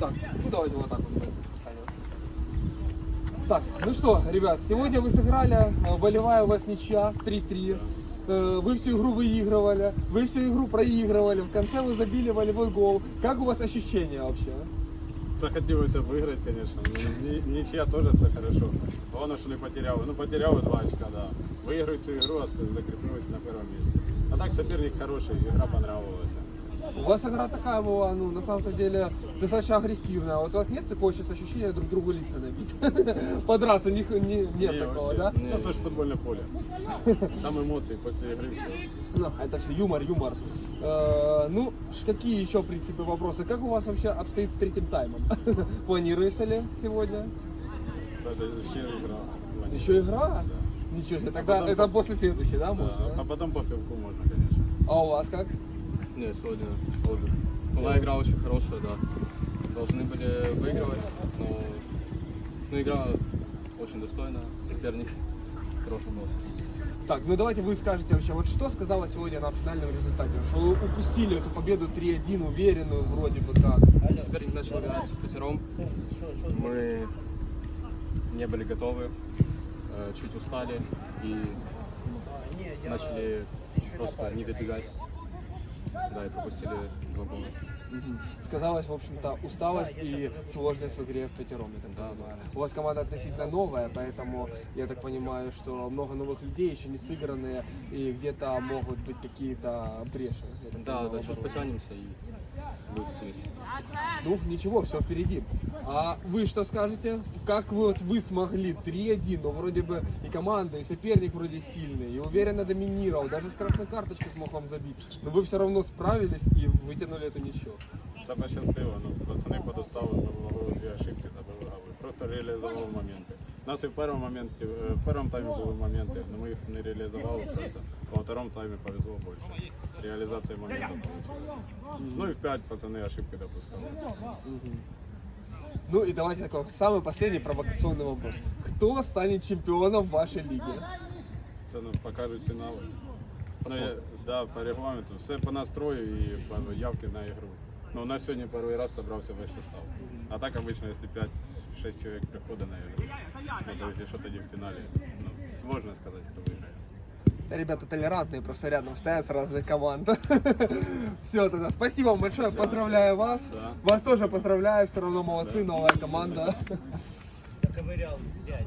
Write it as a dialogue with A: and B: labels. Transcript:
A: Так, ну давайте вот так вот поставим. Так, ну что, ребят, сегодня вы сыграли, волевая у вас ничья, 3-3. Вы всю игру выигрывали, вы всю игру проигрывали, в конце вы забили волевой гол. Как у вас ощущения вообще?
B: Захотілося виграти, звісно. Нічия теж це хорошо. Головне, що не потеряли. Ну, потеряли 2 очка, да. Виграють цю ігру, а закріпилися на першому місці. А так соперник хороший, игра понравилась.
A: У вас игра такая была, ну, на самом деле, достаточно агрессивная. Вот у вас нет такого сейчас ощущения друг другу лица набить? Подраться нет такого,
B: вообще.
A: да?
B: Ну, то же футбольное поле. Там эмоции после игры все.
A: Ну, это все юмор. Ну, какие еще, в принципе, вопросы? Как у вас вообще обстоит с третьим таймом? Планируется ли сегодня?
B: Это еще игра.
A: Еще игра?
B: Да.
A: Ничего себе, тогда
B: потом
A: это после следующей, да, может?
B: Да, а потом по пивку можно, конечно.
A: А у вас как?
C: Не, сегодня тоже. Была игра очень хорошая, да. Должны были выигрывать, но игра очень достойная, соперник хороший был.
A: Так, ну давайте вы скажете вообще, вот что сказала сегодня на финальном результате? Что вы упустили эту победу 3-1, уверенную вроде бы как.
C: Соперник начал играть впятером. Мы не были готовы, чуть устали и начали просто не добегать. Да, и пропустили 2 гола.
A: Сказалась, в общем-то, усталость и сложность в игре в пятером, я так понимаю. У вас команда относительно новая, поэтому я так понимаю, что много новых людей, еще не сыгранные, и где-то могут быть какие-то бреши. Я так
C: Да,
A: понимаю,
C: да, сейчас
A: наоборот.
C: потянемся и будет интересно.
A: Ну, ничего, все впереди. А вы что скажете? Как вы смогли 3-1, но вроде бы и команда, и соперник вроде сильный, и уверенно доминировал, даже с красной карточки смог вам забить. Но вы все равно справились и вытянули эту ничью.
B: Та пощастило, ну, пацани подоставили, ми ловили 2 ошибки, забили голи. Просто реалізували моменти. У нас і в першому таймі були моменти, але ми їх не реалізували просто. Во второму таймі повезло більше. Реалізація моментів вийшла. Ну і в 5 пацани ошибки допускали.
A: Ну и давайте такой самый последний провокационный вопрос. Кто станет чемпионом вашей лиги?
B: Це ну, покажуть фінали. Ну, да, по регламенту. Все по настрою і по явці на ігру. Ну, у нас сьогодні перший раз зібрався весь состав. А так обычно, если 5-6 человек приходит на игру, ну, то есть что тоді в финале, ну, сложно сказать, кто выиграет.
A: Ребята толерантные, просто рядом стоят с разных команд. Все, тогда спасибо вам большое, поздравляю вас.
B: Да.
A: Вас тоже поздравляю, все равно молодцы, новая команда.
D: Заковырял дядь.